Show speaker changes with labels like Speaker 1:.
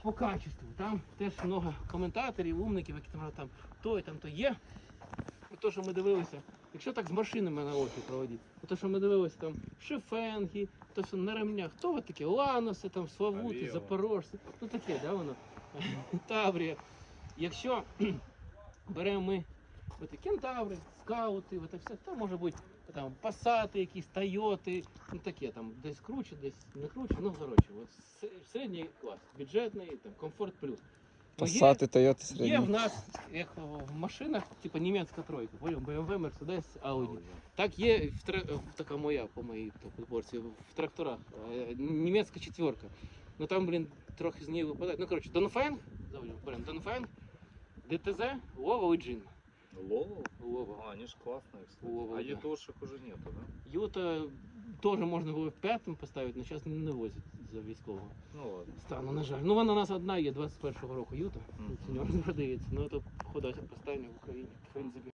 Speaker 1: по качеству. Там теж много коментаторів, умників, які там то і там то є. То, що ми дивилися, якщо так з машинами на очі проводити, то, що ми дивилися там Шефенги, то, що на ремнях, то от таке Ланоси, там Славути,
Speaker 2: Авіо.
Speaker 1: Запорожці, ну таке, да, воно, Таврія. Якщо беремо ми от Кентаври, скаути, от все, то може бути там Пасати якісь, Тойоти, ну таке, там десь круче, десь не круче, ну коротше, от середній клас, бюджетний, там, комфорт плюс. Ну,
Speaker 3: Пасати, Тойоти
Speaker 1: Є
Speaker 3: середні.
Speaker 1: в нас, як в машинах, типу німецька тройка, понял? BMW, Mercedes, Audi. Так є, така моя, по моїй підборці, в тракторах, німецька четверка. Ну там, блін, трохи з неї випадає. Ну, коротше, Донфенг, беремо Донфенг, ДТЗ, Лова і Джин.
Speaker 2: Лову?
Speaker 1: Лова.
Speaker 2: А, они же классные, кстати.
Speaker 1: Лова,
Speaker 2: А
Speaker 1: да.
Speaker 2: ютошек уже нету, да?
Speaker 1: Юта теж можна було в п'ятому поставити, але зараз не возять за військового
Speaker 2: Ну ладно.
Speaker 1: стану, на жаль. Ну вона у нас одна є 21-го року Юта,
Speaker 2: Мгм.
Speaker 1: це не продається. Ну це походу остання в Україні, в принципі.